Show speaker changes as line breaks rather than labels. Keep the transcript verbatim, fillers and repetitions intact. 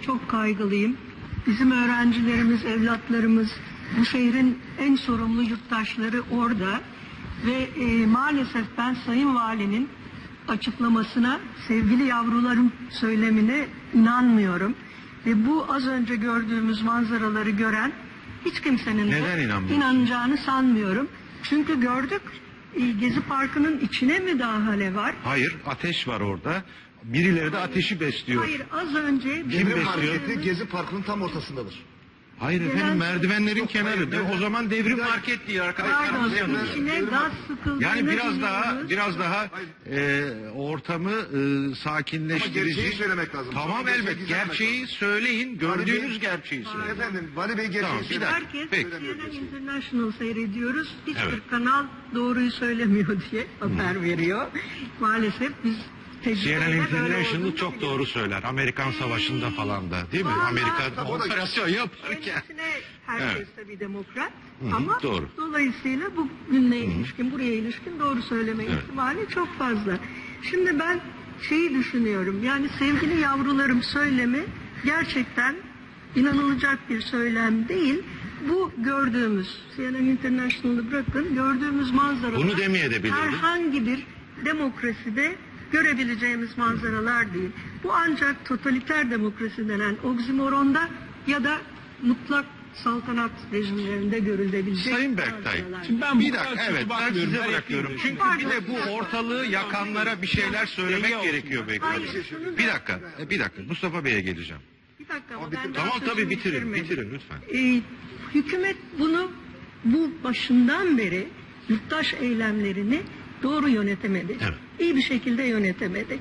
çok kaygılıyım. Bizim öğrencilerimiz, evlatlarımız, bu şehrin en sorumlu yurttaşları orada. Ve e, maalesef ben Sayın Valinin açıklamasına, sevgili yavrularım söylemine inanmıyorum. Ve bu az önce gördüğümüz manzaraları gören hiç kimsenin de inanacağını sanmıyorum. Çünkü gördük, Gezi Parkı'nın içine müdahale var.
Hayır, ateş var orada. Birileri de ateşi besliyor.
Hayır, az önce...
Kim besliyor?
Marketi Gezi Parkı'nın tam ortasındadır.
Hayır
Gelen-
efendim, merdivenlerin kenarı.
hayır,
O zaman devrim market diye arkadaşlar.
Pardon, içine gaz sıkıldığını
Yani biraz daha
biliyoruz.
biraz daha e, ortamı e, sakinleştirici.
Ama gerçeği söylemek lazım.
Tamam,
Sonra
elbet.
gerçeği
Gerçeği söyleyin. Gördüğünüz gerçeği söyleyin.
Efendim, Vali Bey gerçeği
Tamam, bir
söyler.
dakika.
Herkes
Peki.
C N N International seyrediyoruz. Hiçbir
Evet.
kanal doğruyu söylemiyor diye haber veriyor. Maalesef biz
C N N
tecrübeyle böyle
International
olduğunu
çok
biliyoruz.
doğru söyler. Amerikan Savaşı'nda falan da, değil mi?
Vallahi-
Amerika
O da-
operasyon yaparken.
Kendisine herkes
Evet.
tabii demokrat
Hı hı,
ama
doğru.
dolayısıyla bu günle ilişkin, buraya ilişkin doğru söyleme
Evet.
ihtimali çok fazla. Şimdi ben şeyi düşünüyorum, yani sevgili yavrularım söylemi gerçekten inanılacak bir söylem değil. Bu gördüğümüz, C N N International'ı bırakın, gördüğümüz manzaralar
Bunu demeyebilirdi.
herhangi bir demokraside görebileceğimiz manzaralar değil. Bu ancak totaliter demokrasi denen oksimoronda ya da mutlak saltanat rejimlerinde görülebilecek
Sayın Berktay,
manzaralar.
Şimdi ben
bir
bu kadar
dakika,
kötü
evet, ben
bakmıyorum,
size
ben
bırakıyorum.
yapayım.
Çünkü bir de bu ortalığı yakanlara bir şeyler söylemek
Denge
gerekiyor belki.
Hayır, şunu da-
Bir dakika, e, bir dakika. Mustafa Bey'e geleceğim.
Bir dakika ama
Ama
ben
bitir-
daha
Tamam, tabii,
sözümü
bitirin,
bitirmedim.
bitirin lütfen.
Ee, hükümet bunu bu başından beri yurttaş eylemlerini doğru yönetemedi.
Evet.
İyi bir şekilde yönetemedi.